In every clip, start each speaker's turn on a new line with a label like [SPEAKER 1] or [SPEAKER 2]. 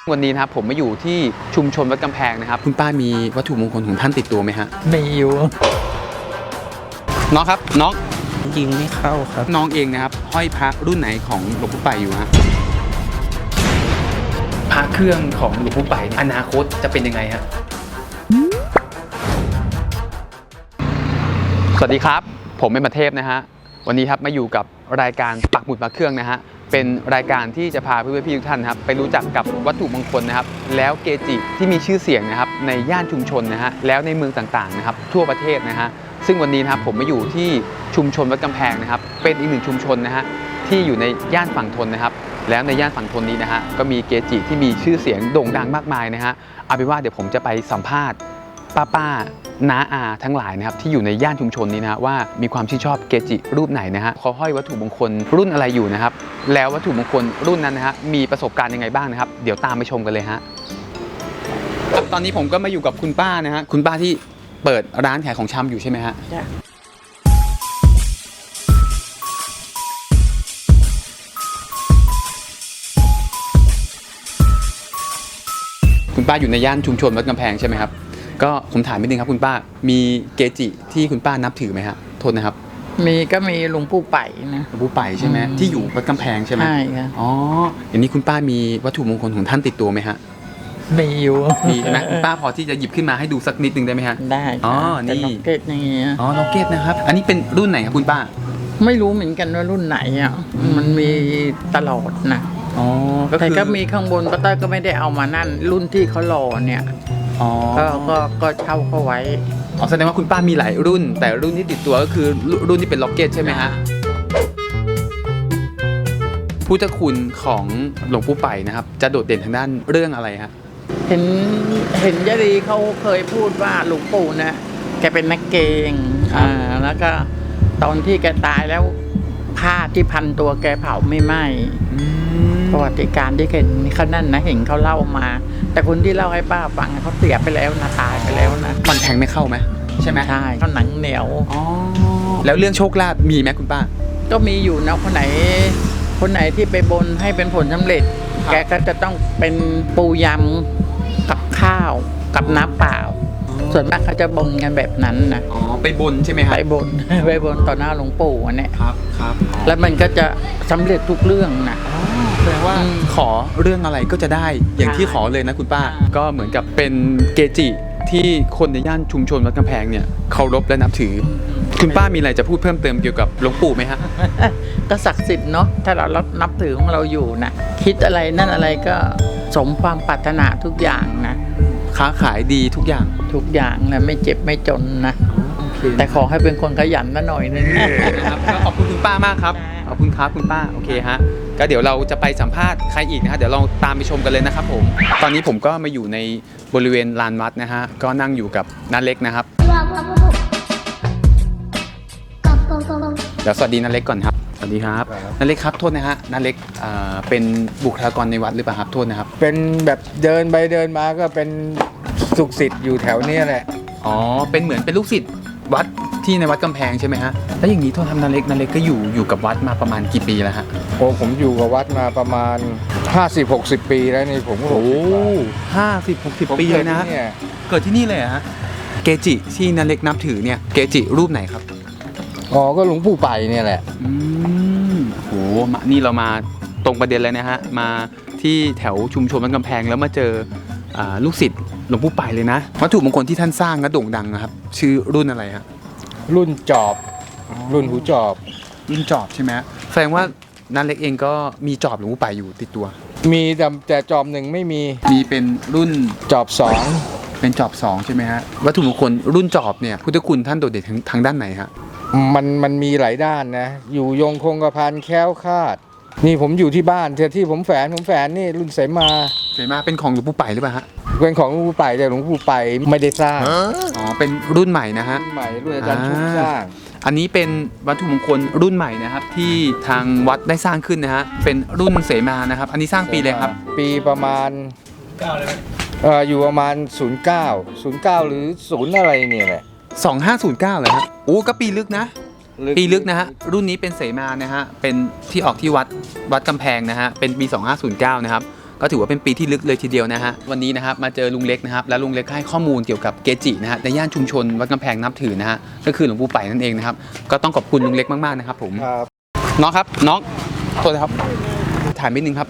[SPEAKER 1] วันนี้นะครับผมมาอยู่ที่ชุมชนวัดกำแพงนะครับคุณป้ามีวัตถุมงคลของท่านติดตัวไหมฮะ
[SPEAKER 2] มีอยู่
[SPEAKER 1] น้องครับน้อง
[SPEAKER 2] ยิงไม่เข้าครับ
[SPEAKER 1] น้องเองนะครับห้อยพระรุ่นไหนของหลวงปู่ไปอยู่ฮะพระเครื่องของหลวงปู่ไปอนาคตจะเป็นยังไงฮะสวัสดีครับผมเป็นประเทพนะฮะวันนี้ครับมาอยู่กับรายการปักหมุดพระเครื่องนะฮะเป็นรายการที่จะพาเพื่อนๆพี่ทุกท่านนะครับไปรู้จักกับวัตถุมงคลนะครับแล้วเกจิที่มีชื่อเสียงนะครับในย่านชุมชนนะฮะแล้วในเมืองต่างๆนะครับทั่วประเทศนะฮะซึ่งวันนี้นะครับผมมาอยู่ที่ชุมชนวัดกำแพงนะครับเป็นอีกหนึ่งชุมชนนะฮะที่อยู่ในย่านฝั่งทนนะครับแล้วในย่านฝั่งทนนี้นะฮะก็มีเกจิที่มีชื่อเสียงโด่งดังมากมายนะฮะเอาเป็นว่าเดี๋ยวผมจะไปสัมภาษณ์ป้าน้าอาทั้งหลายนะครับที่อยู่ในย่านชุมชนนี้นะฮะว่ามีความชื่นชอบเกจิรูปไหนนะฮะเขาห้อยวัตถุมงคลรุ่นอะไรอยู่นะครับแล้ววัตถุมงคลรุ่นนั้นนะฮะมีประสบการณ์ยังไงบ้างนะครับเดี๋ยวตามไปชมกันเลยฮะตอนนี้ผมก็มาอยู่กับคุณป้านะฮะคุณป้าที่เปิดร้านขายของชำอยู่ใช่ไหมฮะคุณป้าอยู่ในย่านชุมชนวัดกำแพงใช่ไหมครับก็ผมถามนิดนึงครับคุณป้ามีเกจิที่คุณป้านับถือไหมฮะโทษนะครับ
[SPEAKER 2] ก็มีหลวงปู่ไปนะ
[SPEAKER 1] หลวงปู่ไปใช่ไหมที่อยู่วัดกำแพงใช่ไหม
[SPEAKER 2] ใช่ค่ะ
[SPEAKER 1] อ๋ออย่างนี้คุณป้ามีวัตถุมงคลของท่านติดตัวไหมฮะ
[SPEAKER 2] มีอยู่
[SPEAKER 1] มีนะคุณป้าพอที่จะหยิบขึ้นมาให้ดูสักนิดนึงได้ไหมฮะ
[SPEAKER 2] ได้
[SPEAKER 1] อ๋อนี่
[SPEAKER 2] ล็อกเก็ตอย่างเงี้ย
[SPEAKER 1] อ๋อล็อกเก็ตนะครับอันนี้เป็นรุ่นไหนครับคุณป้า
[SPEAKER 2] ไม่รู้เหมือนกันว่ารุ่นไหนอ่ะมันมีตลอดนะ
[SPEAKER 1] อ๋อ
[SPEAKER 2] แต่ก็มีข้างบนป้าต้อยก็ไม่ได้เอามานั่นรุ่นที่เขาหล่อเนี่ย
[SPEAKER 1] อ๋อ
[SPEAKER 2] ก็เช่าเขาไว้
[SPEAKER 1] อ๋อแสดงว่าคุณป้ามีหลายรุ่นแต่รุ่นที่ติดตัวก็คือรุ่นที่เป็นล็อกเก็ตใช่ไหมฮะพุทธคุณของหลวงปู่ไปนะครับจะโดดเด่นทางด้านเรื่องอะไรฮะ
[SPEAKER 2] เห็นยะดีเขาเคยพูดว่าหลวงปู่นะแกเป็นนักเกงแล้วก็ตอนที่แกตายแล้วผ้าที่พันตัวแกเผาไม่ไหม้ประวัติการที่เห็นเขานั่นนะเห็นเขาเล่ามาแต่คนที่เล่าให้ป้าฟังเขาเสียไปแล้วนะตายไปแล้วนะ
[SPEAKER 1] ฟันแทงไม่เข้าไหมใช่ไหม
[SPEAKER 2] ใช่เขาหนังเหนียว
[SPEAKER 1] แล้วเรื่องโชคลาภมีไหมคุณป้า
[SPEAKER 2] ก็มีอยู่นะคนไหนที่ไปบนให้เป็นผลสำเร็จแกก็จะต้องเป็นปูยำกับข้าวกับน้ำเปล่าส่วนมากเขาจะบนกันแบบนั้นนะ
[SPEAKER 1] อ๋อไปบนใช่ไหมครับ
[SPEAKER 2] ไปบนต่อหน้าหลวงปู่เนี่ย
[SPEAKER 1] ครับ
[SPEAKER 2] แล้วมันก็จะสำเร็จทุกเรื่องนะ
[SPEAKER 1] แปลว่าขอเรื่องอะไรก็จะได้อย่างที่ขอเลยนะคุณป้าก็เหมือนกับเป็นเกจิที่คนในย่านชุมชนวัดกำแพงเนี่ยเคารพและนับถือคุณป้ามีอะไรจะพูดเพิ่มเติมเกี่ยวกับหลวงปู่ไหมฮะ
[SPEAKER 2] ก็ศักดิ์สิทธิ์เนาะถ้าเรานับถือของเราอยู่นะคิดอะไรนั่นอะไรก็สมความปรารถนาทุกอย่างนะ
[SPEAKER 1] ค้าขายดีทุกอย่าง
[SPEAKER 2] นะไม่เจ็บไม่จนนะแต่ขอให้เป็นคนขยันนะหน่อยนึง
[SPEAKER 1] นะครับขอบคุณคุณป้ามากครับขอบคุณครับคุณป้าโอเคฮะก็เดี๋ยวเราจะไปสัมภาษณ์ใครอีกนะฮะเดี๋ยวเราตามไปชมกันเลยนะครับผมตอนนี้ผมก็มาอยู่ในบริเวณลานวัดนะฮะก็นั่งอยู่กับน้าเล็กนะครับเดี๋ยวสวัสดีน้าเล็กก่อนครับสวัสดีครับน้าเล็กครับโทษนะฮะน้าเล็กเป็นบุคลากรในวัดหรือเปล่าครับโทษนะครับ
[SPEAKER 3] เป็นแบบเดินไปเดินมาก็เป็นสุขศิษย์อยู่แถวนี้แหละ
[SPEAKER 1] อ๋อเป็นเหมือนเป็นลูกศิษย์วัดที่ในวัดกำแพงใช่ไหมฮะแล้วอย่างนี้โทษทำน้าเล็กก็อยู่กับวัดมาประมาณกี่ปีแล้วฮะ
[SPEAKER 3] โอ้ผมอยู่กับวัดมาประมาณ50-60 ปีแล้วนี่ผม
[SPEAKER 1] โอ้50-60 ปีเลยนะเกิดที่นี่เลยฮะเกจิที่น้าเล็กนับถือเนี่ยเกจิรูปไหนครับ
[SPEAKER 3] อ๋อก็หลวงปู่ไปเนี่ยแหละ
[SPEAKER 1] โหนี่เรามาตรงประเด็นเลยนะฮะมาที่แถวชุมชนวัดกำแพงแล้วมาเจอลูกศิษย์หลวงปู่ไปเลยนะวัตถุมงคลที่ท่านสร้างและโด่งดังนะครับชื่อรุ่นอะไรฮะ
[SPEAKER 3] รุ่นจอบรุ่นหูจอบ
[SPEAKER 1] ใช่ไหมแสดงว่าน้าเล็กเองก็มีจอบหลวงปู่ไปอยู่ติดตัว
[SPEAKER 3] มีแต่จอบหนึ่งไม่มี
[SPEAKER 1] เป็นรุ่น
[SPEAKER 3] จอบ2
[SPEAKER 1] เป็นจอบ2ใช่ไหมฮะวัตถุมงคลรุ่นจอบเนี่ยพุทธคุณท่านโดดเด่นทางด้านไหนฮะ
[SPEAKER 3] มันมีหลายด้านนะอยู่ยงคงกระพันแคล้วคลาดนี่ผมอยู่ที่บ้านที่ผมแฝนนี่รุ่นเสมา
[SPEAKER 1] เป็นของหลวงปู่ไปหรือเปล่าฮะ
[SPEAKER 3] เป็นของหลวงปู่ไปแต่หลวงปู่ไปไม่ได้สร้าง
[SPEAKER 1] อ๋อเป็นรุ่นใหม่นะฮะ
[SPEAKER 3] รุ่นใหม่รุ่นอาจารย์ชุบสร้าง
[SPEAKER 1] อันนี้เป็นวัตถุมงคลรุ่นใหม่นะครับที่ทางวัดได้สร้างขึ้นนะฮะเป็นรุ่นเสมานะครับอันนี้สร้างปีเลยครับ
[SPEAKER 3] ปีประมาณ9เลยอยู่ประมาณ09หรือ0อะไรเนี่ยแหละ
[SPEAKER 1] 2509เลยฮะโอ้ก็ปีลึกนะนะฮะรุ่นนี้เป็นเสมานะฮะเป็นที่ออกที่วัดกำแพงนะฮะเป็นปี2509นะครับก็ถือว่าเป็นปีที่ลึกเลยทีเดียวนะฮะวันนี้นะครับมาเจอลุงเล็กนะครับและลุงเล็กให้ข้อมูลเกี่ยวกับเกจินะฮะในย่านชุมชนวัดกำแพงนับถือนะฮะก็คือหลวงปู่ไปนั่นเองนะครับก็ต้องขอบคุณลุงเล็กมากๆนะครับผม
[SPEAKER 3] ครับ
[SPEAKER 1] น้องครับน้องโทษนะครับถ่ายนิดนึงครับ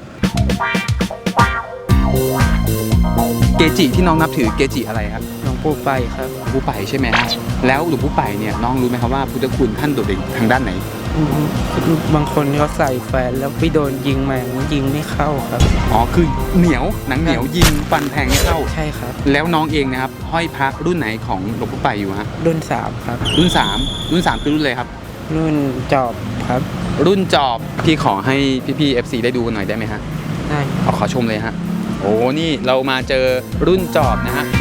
[SPEAKER 1] เกจิที่น้องนับถือเกจิอะไรครับ
[SPEAKER 4] หลวงปู่ไปครับ
[SPEAKER 1] หลวงปู่ไปใช่ไหมฮะแล้วหลวงปู่ไปเนี่ยน้องรู้ไหมครับว่าพุทธคุณท่านโดดเด่นทางด้านไหน
[SPEAKER 4] บางคนเขาใส่แฟนแล้วไปโดนยิงมายิงไม่เข้าครับ
[SPEAKER 1] อ๋อคือเหนียวหนังเหนียวยิงฟันแทงไม่เข้า
[SPEAKER 4] ใช่ครับ
[SPEAKER 1] แล้วน้องเองนะครับห้อยพระรุ่นไหนของหลวงปู่ไปอยู่ฮะ
[SPEAKER 4] รุ่น3ครับ
[SPEAKER 1] รุ่น3คือรุ่นเลยครับ
[SPEAKER 4] รุ่นจอบครับ
[SPEAKER 1] รุ่นจอบพี่ขอให้พี่ๆ FC ได้ดูกันหน่อยได้ไหมฮะ
[SPEAKER 4] ได้
[SPEAKER 1] เอาขอชมเลยฮะโอ้นี่เรามาเจอรุ่นจอบนะฮะ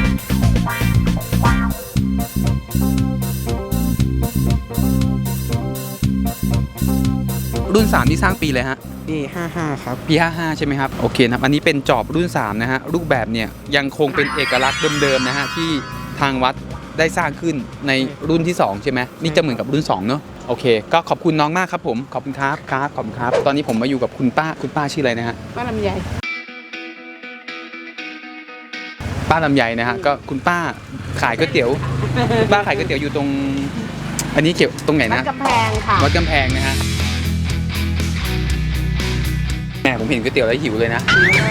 [SPEAKER 1] รุ่น3ที่สร้างปีเลยฮะ
[SPEAKER 4] ปี55ครับ
[SPEAKER 1] ปี55ใช่ไหมครับโอเคนะครับอันนี้เป็นจอบรุ่น3นะฮะรูปแบบเนี่ยยังคงเป็นเอกลักษณ์เดิมๆนะฮะที่ทางวัดได้สร้างขึ้นในรุ่นที่2ใช่ไหมนี่จะเหมือนกับรุ่น2เนอะโอเคก็ขอบคุณน้องมากครับผมขอบคุณครับครับขอบคุณครับตอนนี้ผมมาอยู่กับคุณป้าชื่ออะไรนะฮะ
[SPEAKER 5] ป้าลำไย
[SPEAKER 1] ป้าลำไยนะฮะก็คุณป้าขายก๋วยเตี๋ยวคุณป้าขายก๋วยเตี๋ยวอยู่ตรงอันนี้เกี่ยวตรงไหน
[SPEAKER 5] วัด
[SPEAKER 1] นะ
[SPEAKER 5] กำแพงค่ะ
[SPEAKER 1] วัดกำแพงนะฮะแหมผมเห็นก๋วยเตี๋ยวแล้วหิวเลยนะ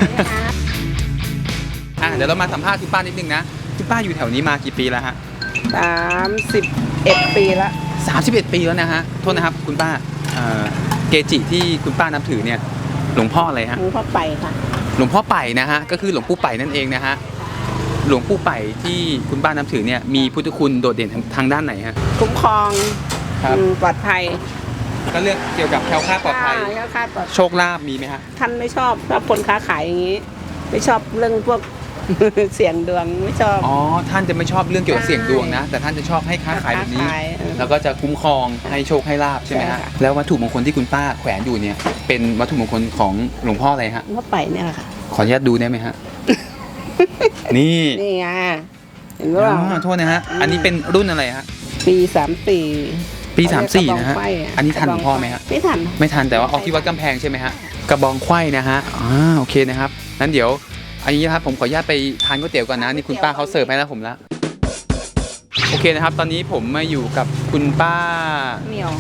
[SPEAKER 1] เดี๋ยวเรามาสัมภาษณ์คุณป้านิดนึงนะคุณป้าอยู่แถวนี้มากี่ปีแล้วฮะ
[SPEAKER 5] 31 ปีละ
[SPEAKER 1] 31 ปีแล้วนะฮะโทษนะครับคุณป้าเกจิที่คุณป้านับถือเนี่ยหลวงพ่ออะไรฮะ
[SPEAKER 5] หลวงพ่อไปค่ะ
[SPEAKER 1] หลวงพ่อไป่นะฮะก็คือหลวงปู่ไป่นั่นเองนะฮะหลวงปู่ไป่ที่คุณป้านับถือเนี่ยมีพุทธคุณโดดเด่นทางด้านไหนฮะ
[SPEAKER 5] คุ้มครอง
[SPEAKER 1] ครับ
[SPEAKER 5] ปลอดภัย
[SPEAKER 1] ก็เรื่องเกี่ยวกับแคล้วคลาดปลอดภัย
[SPEAKER 5] ค่าค่าปลอด
[SPEAKER 1] โชคลาภมีไหมฮะ
[SPEAKER 5] ท่านไม่ชอบคนค้าขายอย่างนี้ ไม่ชอบเรื่องพวก เสี่ยงดวงไม่ชอบ
[SPEAKER 1] อ๋อท่านจะไม่ชอบเรื่องเกี่ยวกับเสี่ยงดวงนะแต่ท่านจะชอบให้ค้าขายแบบนี้
[SPEAKER 5] ค้าขาย
[SPEAKER 1] แล้วก็จะคุ้มครองให้โชคให้ลาภใช่ไหมฮะ
[SPEAKER 5] ใช่ค่ะ
[SPEAKER 1] แล้ววัตถุมงคลที่คุณป้าแขวนอยู่เนี่ยเป็นวัตถุมงคลของหลวงพ่ออะไรฮะ
[SPEAKER 5] หลวงพ่อไปเนี่ยแหละค่ะ
[SPEAKER 1] ขออนุญาตดูได้ไหมฮะ นี่
[SPEAKER 5] นี่ไงเห็น
[SPEAKER 1] อ๋
[SPEAKER 5] ว่า
[SPEAKER 1] อโทษนะฮะอันนี้เป็นรุ่นอะไรฮะ
[SPEAKER 5] ปี34
[SPEAKER 1] ปี34นะฮะ
[SPEAKER 5] กรบองไขว้ะ
[SPEAKER 1] อันนี้ทันหลวงพ่อไหมฮะ
[SPEAKER 5] ไม่ทัน
[SPEAKER 1] ไม่ทันแต่ว่าออกที่วัดกำแพงใช่ไหมฮะกระบองไขว้นะฮะโอเคนะครับงั้นเดี๋ยวอันนี้นะครับผมขออนุญาตไปทานก๋วยเตี๋ยวก่อนนะนี่คุณป้าเขาเสิร์ฟให้แล้วผมละโอเคนะครับตอนนี้ผมมาอยู่กับคุณป้า
[SPEAKER 5] เหนียว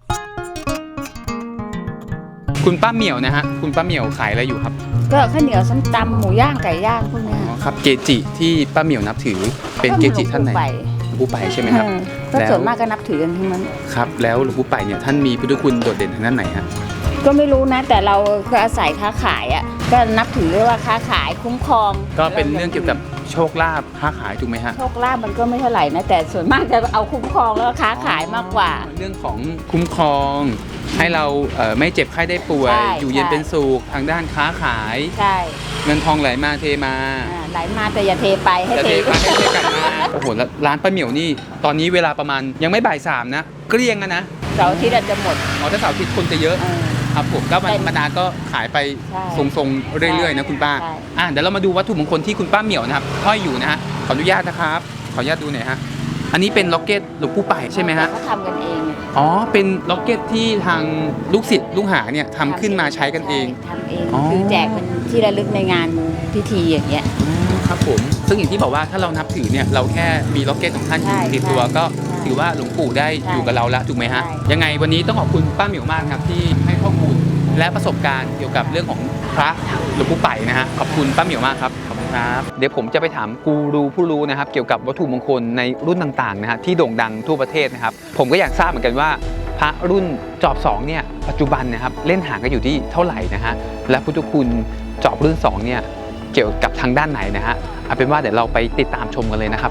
[SPEAKER 1] คุณป้าเหมียวนะฮะคุณป้าเหมียวขายอะไรอยู่ครับ
[SPEAKER 6] ก็ข้าวเหนียวส้มตำหมูย่างไก่ย่างพวกเนี้ย
[SPEAKER 1] อ๋อครับเกจิที่ป้าเหมียวนับถือเป็นเกจิท่านไหนหลวงปู่ไปใช่ไหมครับ
[SPEAKER 6] ก็ส่วนมากก็นับถือกันทั้งนั้น
[SPEAKER 1] ครับแล้วหลวงปู่ไปเนี่ยท่านมีพุทธคุณโดดเด่นทางด้านไหนฮะ
[SPEAKER 6] ก็ไม่รู้นะ แต่เราก็อาศัยค้าขายอ่ะก็นับถือว่าค้าขายคุ้มครอง
[SPEAKER 1] ก็เป็นเรื่องเกี่ยวกับโชคลาภค้าขายถูกไหมฮะ
[SPEAKER 6] โชคลาภมันก็ไม่เท่าไหร่นะแต่ส่วนมากจะเอาคุ้มครองแล้วก็ค้าขายมากกว่า
[SPEAKER 1] เรื่องของคุ้มครอง ให้เราไม่เจ็บไข้ได้ป่วย
[SPEAKER 6] ใช่
[SPEAKER 1] อยู่เย็นเป็นสุขทางด้านค้าขาย
[SPEAKER 6] ใช่
[SPEAKER 1] เงินทองไหลมาเทมา
[SPEAKER 6] ไหลมาแต่อย่าเทไปให้
[SPEAKER 1] จะ
[SPEAKER 6] เท
[SPEAKER 1] เทมาให้เทกลับมาโอ้โหแล้วร้านป้าเหมียวนี่ตอนนี้เวลาประมาณยังไม่บ่าย3นะเกลี้ยงนะ
[SPEAKER 6] เสาร์อาทิตย์อาจจะหมด
[SPEAKER 1] อ๋อถ้าเสาร์อาทิตย์คนจะเยอะ
[SPEAKER 6] เออ
[SPEAKER 1] ครับผมก็วัน
[SPEAKER 6] แต่
[SPEAKER 1] ธรรมดาก็ขายไป
[SPEAKER 6] ใช่
[SPEAKER 1] ทรงๆเรื่อยๆนะคุณป้า
[SPEAKER 6] ใช่
[SPEAKER 1] เดี๋ยวเรามาดูวัตถุมงคลที่คุณป้าเหมียวนะครับห้อยอยู่นะฮะขออนุญาตนะครับขออนุญาตดูหน่อยฮะอันนี้เป็นล็อกเก็ตหลวงปู่ไปใช่ไหมฮะ
[SPEAKER 6] เขาทำกันเอง
[SPEAKER 1] อ๋อเป็นล็อกเก็ตที่ทางลูกศิษย์ลูกหาเนี่ยทำขึ้นมาใช้กันเอง
[SPEAKER 6] ทำเอง
[SPEAKER 1] อ๋อ
[SPEAKER 6] คือแจกเป็นที่ระลึกในงานพิธีอย่างเงี้ย
[SPEAKER 1] ครับผมซึ่งอย่างที่บอกว่าถ้าเรานับถือเนี่ยเราแค่มีล็อกเก็ตของท่านอยู่
[SPEAKER 6] ใช่
[SPEAKER 1] ติดตัว
[SPEAKER 6] ใช่
[SPEAKER 1] ก็
[SPEAKER 6] ใช่
[SPEAKER 1] ถือว่าหลวงปู่ได้
[SPEAKER 6] ใช่
[SPEAKER 1] อยู่กับเราแล้วถูกไหมฮะ
[SPEAKER 6] ใช่
[SPEAKER 1] ยังไงวันนี้ต้องขอบคุณป้าเหมียวมากครับที่ให้ข้อมูลและประสบการณ์เกี่ยวกับเรื่องของพระหลวงปู่ไปนะฮะขอบคุณป้าเหมียวมากครับขอบคุณครับเดี๋ยวผมจะไปถามกูรูผู้รู้นะครับเกี่ยวกับวัตถุมงคลในรุ่นต่างๆนะฮะที่โด่งดังทั่วประเทศนะครับผมก็อยากทราบเหมือนกันว่าพระรุ่นจอบ2เนี่ยปัจจุบันนะครับเล่นหางกันอยู่ที่เท่าไหร่นะฮะและพุทธคุณจอบรุ่น2เนี่ยเกี่ยวกับทางด้านไหนนะฮะเอาเป็นว่าเดี๋ยวเราไปติดตามชมกันเลยนะครับ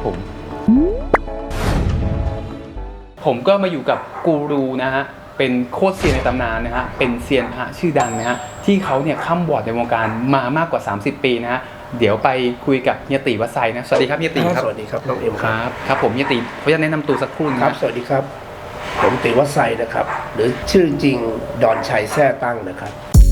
[SPEAKER 1] ผมก็มาอยู่กับกูรูนะฮะเป็นโคตรเซียนในตำนานนะฮะเป็นเซียนพระชื่อดังนะฮะที่เขาเนี่ยข้ามบอร์ดในวงการมามากกว่า30 ปีนะฮะเดี๋ยวไปคุยกับเฮียตีวัดไซนะสวัสดีครับเฮียตีครับ
[SPEAKER 7] สวัสดีครับน้องเอ็ม
[SPEAKER 1] ค
[SPEAKER 7] ครับ
[SPEAKER 1] รับครับผมเฮียตีเขาจะแนะนำตัวสักครู่นะ
[SPEAKER 7] ครับ สวัสดีครับ ผมตีวัดไซนะครับ หรือชื่อจริงดอนชัยแท้ตั้งนะครับ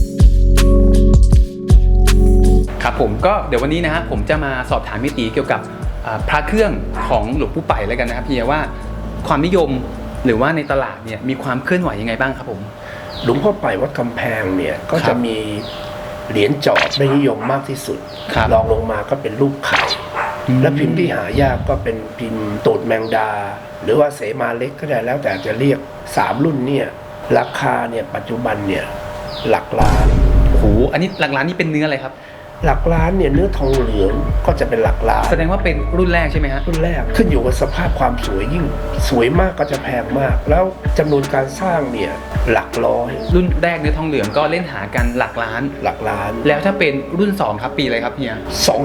[SPEAKER 1] ครับผมก็เดี๋ยววันนี้นะฮะผมจะมาสอบถามเฮียตีเกี่ยวกับพระเครื่องของหลวงปู่ไปแล้วกันนะครับเฮียว่าความนิยมหรือว่าในตลาดเนี่ยมีความเคลื่อนไหวยังไงบ้างครับผม
[SPEAKER 7] หลวงพ่อไปวัดกำแพงเนี่ยก็
[SPEAKER 1] ครั
[SPEAKER 7] จะ
[SPEAKER 1] บ
[SPEAKER 7] มีเหรียญจอบได้นิยมมากที่สุด
[SPEAKER 1] ครับ
[SPEAKER 7] รองลงมาก็เป็นรูปไข่และพิมพ์ที่หายากก็เป็นพิมพ์ตูดแมงดา หรือว่าเสมาเล็กก็ได้แล้วแต่จะเรียก3รุ่นเนี่ยราคาเนี่ยปัจจุบันเนี่ยหลักล้าน
[SPEAKER 1] โอ้โหอันนี้หลักล้านนี่เป็นเนื้ออะไรครับ
[SPEAKER 7] หลักล้านเนี่ยเนื้อทองเหลืองก็จะเป็นหลักล้าน
[SPEAKER 1] แสดงว่าเป็นรุ่นแรกใช่ไหมฮะ
[SPEAKER 7] รุ่นแรกขึ้นอยู่กับสภาพความสวยยิ่งสวยมากก็จะแพงมาก แล้วจำนวนการสร้างเนี่ยหลักร้อย
[SPEAKER 1] รุ่นแรกเนื้อทองเหลืองก็เล่นหากันหลักล้าน
[SPEAKER 7] หลักล้าน
[SPEAKER 1] แล้วถ้าเป็นรุ่น2ครับปีอะไรครับเฮีย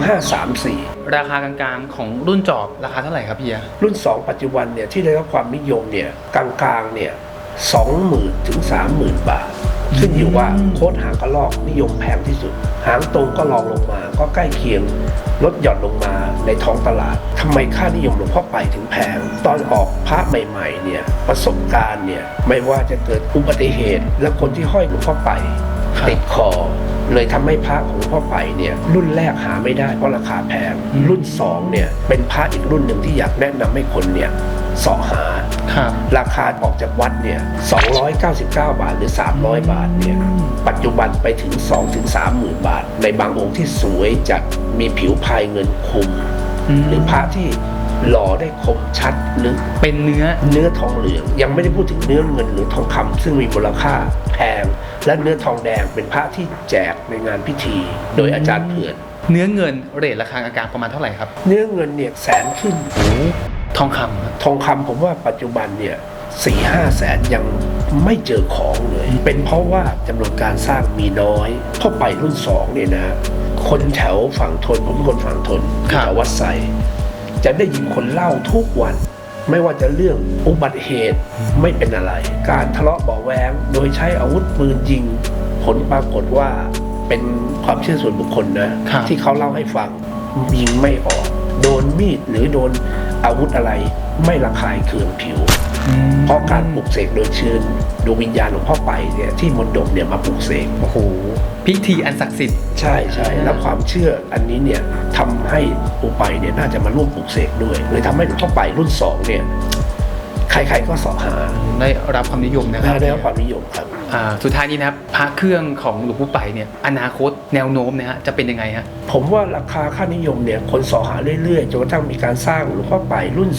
[SPEAKER 7] 2534
[SPEAKER 1] ราคากลางๆของรุ่นจอบราคาเท่าไหร่ครับเฮีย
[SPEAKER 7] รุ่น 2 ปัจจุบันเนี่ยที่ได้รับความนิยมเนี่ยกลางๆเนี่ย 20,000 ถึง 30,000 บาท ขึ้นอยู่ว่าโค้ดหางกระรอกนิยมแพงที่สุด หางตรงก็ลองลงมาก็ใกล้เคียงลดหย่อนลงมาในท้องตลาดทำไมค่านิยมหลวงพ่อไปถึงแพง ตอนออกพระใหม่ๆเนี่ยประสบการณ์เนี่ยไม่ว่าจะเกิดอุบัติเหตุ และคนที่ห้อยหลวงพ่อไป
[SPEAKER 1] ครับ
[SPEAKER 7] ติดคอ เลยทำให้พระของหลวงพ่อไปเนี่ยรุ่นแรกหาไม่ได้เพราะราคาแพง รุ่น2เนี่ยเป็นพระอีกรุ่นหนึ่งที่อยากแนะนำให้คนเนี่ยเสาะหา
[SPEAKER 1] ครับ
[SPEAKER 7] ราคาออกจากวัดเนี่ย299 บาทหรือ 300 บาทเนี่ยปัจจุบันไปถึง 2-30,000 บาท ในบางองค์ที่สวยจัดมีผิวพายเงินคุม หรือพระที่หล่อได้คมชัดลึก
[SPEAKER 1] เป็นเนื้อ
[SPEAKER 7] ทองเหลืองยังไม่ได้พูดถึงเนื้อเงินหรือทองคำซึ่งมีมูลค่าแพง และเนื้อทองแดงเป็นพระที่แจกในงานพิธี โดยอาจารย์เผื่อน
[SPEAKER 1] เนื้อเงินเรทราคากลางๆประมาณเท่าไหร่ครับ
[SPEAKER 7] เนื้อเงินเนี่ยแสนขึ้น
[SPEAKER 1] ทองคำครับ
[SPEAKER 7] ทองคำผมว่าปัจจุบันเนี่ย4-5 แสนยังไม่เจอของเลย เป็นเพราะว่าจำนวนการสร้างมีน้อยพอไปรุ่น2เนี่ยนะคนแถวฝั่งทนผมเป็นคนฝั่งทนแถววัดไซจะได้ยินคนเล่าทุกวัน ไม่ว่าจะเรื่องอุบัติเหตุไม่เป็นอะไร การทะเลาะเบาะแว้งโดยใช้อาวุธปืนยิง ผลปรากฏว่าเป็นความเชื่อส่วนบุคคลนะที่เขาเล่าให้ฟังยิงไม่ออก โดนมีดหรือโดนอาวุธอะไรไม่ระคายเคืองผิว เพราะการปลุกเสกโดยเชิญดวงวิญญาณหลวงพ่อไปเนี่ยที่มนดบเนี่ยมาปลุกเสก
[SPEAKER 1] โอ้โหพิธีอันศักดิ์สิทธิ์
[SPEAKER 7] ใช่แล้วความเชื่ออันนี้เนี่ยทำให้อุไปเนี่ยน่าจะมาร่วมปลุกเสกด้วยเลยทำให้หลวงพ่อไปรุ่น2เนี่ยใครๆก็เสาะหา
[SPEAKER 1] ได้รับความนิยมนะครับ
[SPEAKER 7] ได้รับความนิยมครับ
[SPEAKER 1] สุดท้ายนี้นะครับพระเครื่องของหลวงปู่ไปเนี่ยอนาคตแนวโน้มนะฮะจะเป็นยังไงฮะ
[SPEAKER 7] ผมว่าราคาค่านิยมเนี่ยคนเสาะหาเรื่อยๆจนกระทั่งมีการสร้างหลวงพ่อไปรุ่น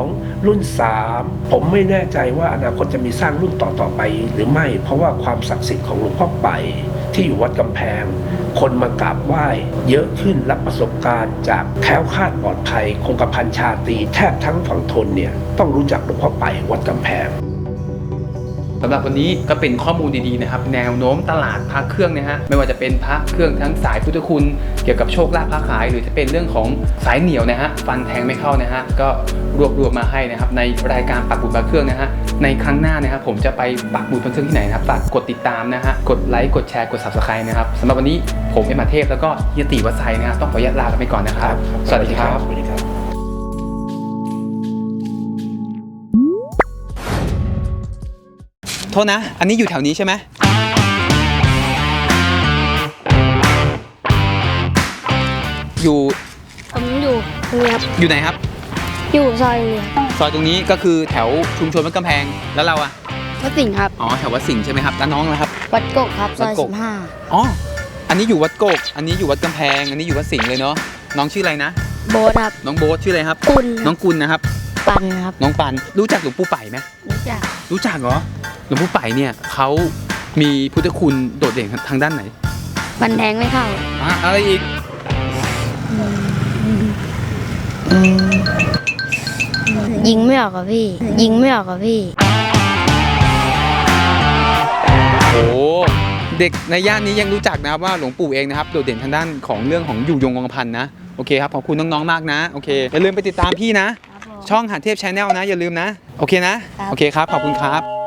[SPEAKER 7] 2รุ่น3ผมไม่แน่ใจว่าอนาคตจะมีสร้างรุ่นต่อๆไปหรือไม่เพราะว่าความศักดิ์สิทธิ์ของหลวงพ่อไปที่อยู่วัดกำแพง คนมากราบไหว้เยอะขึ้นรับประสบการณ์จากแคล้วคลาดปลอดภัยคงกระพันชาตรีแทบทั้งฝั่งทนเนี่ยต้องรู้จักหลวงพ่อไปวัดกำแพง
[SPEAKER 1] สำหรับวันนี้ก็เป็นข้อมูลดีๆนะครับแนวโน้มตลาดพระเครื่องนะฮะไม่ว่าจะเป็นพระเครื่องทั้งสายพุทธคุณเกี่ยวกับโชคลาภค้าขายหรือจะเป็นเรื่องของสายเหนียวนะฮะฟันแทงไม่เข้านะฮะก็รวบรวมมาให้นะครับในรายการปักบุญพระเครื่องนะฮะในครั้งหน้านะครับผมจะไปปักบุญพระเครื่องที่ไหนนะครับฝากกดติดตามนะฮะกดไลค์กดแชร์กด Subscribe นะครับสำหรับวันนี้ผมเอ็มอาเทพแล้วก็เฮียตีวัดไซนะครับต้องขออนุญาตลาไปก่อนนะครับสวัสดีครับ
[SPEAKER 7] สวัสดีครับ
[SPEAKER 1] โทษนะ อันนี้อยู่แถวนี้ใช่ไหมอยู่
[SPEAKER 8] ผมอยู่ตรงนี้ครับ
[SPEAKER 1] อยู่ไหนครับ
[SPEAKER 8] อยู่ซอยนี้ครับ
[SPEAKER 1] ซอยตรงนี้ก็คือแถวชุมชนวัดกำแพง แล้วเราอะ
[SPEAKER 8] วัดสิงห์ครับ
[SPEAKER 1] อ๋อ แถววัดสิงห์ใช่ไหมครับ แล้วน้องนะครับ
[SPEAKER 8] วัดโกกครับซ
[SPEAKER 1] วั
[SPEAKER 8] อ
[SPEAKER 1] ด
[SPEAKER 8] ย
[SPEAKER 1] โกก
[SPEAKER 8] 15
[SPEAKER 1] อ๋อ อันนี้อยู่วัดโกก อันนี้อยู่วัดกำแพง อันนี้อยู่วัดสิงห์เลยเนาะ น้องชื่ออะไรนะ
[SPEAKER 8] โบสครับ
[SPEAKER 1] น้องโบ๊ทชื่ออะไรครับ
[SPEAKER 8] กุล
[SPEAKER 1] น้องกุลนะครับ
[SPEAKER 8] ปันครับ
[SPEAKER 1] น้องปัน รู้จักหลวงปู่ไป่ไหม
[SPEAKER 8] รู้จัก
[SPEAKER 1] รู้จักเหรอ หลวงปู่ไป่เนี่ยเขามีพุทธคุณโดดเด่นทางด้านไหน
[SPEAKER 8] บันแทงไม่เข้า
[SPEAKER 1] อะไรอีก
[SPEAKER 8] ยิงไม่ออกกับพี่ ยิงไม่ออกกับพี่
[SPEAKER 1] โอ้เด็กในย่านนี้ยังรู้จักนะครับว่าหลวงปู่เองนะครับโดดเด่นทางด้านของเรื่องของอยู่ยงคงกระพันนะโอเคครับขอบคุณน้องๆมากนะโอเคอย่าลืมไปติดตามพี่นะ ช่องหาเทพชาแนลนะอย่าลืมนะโอเคนะโอเคครับขอบคุณครับ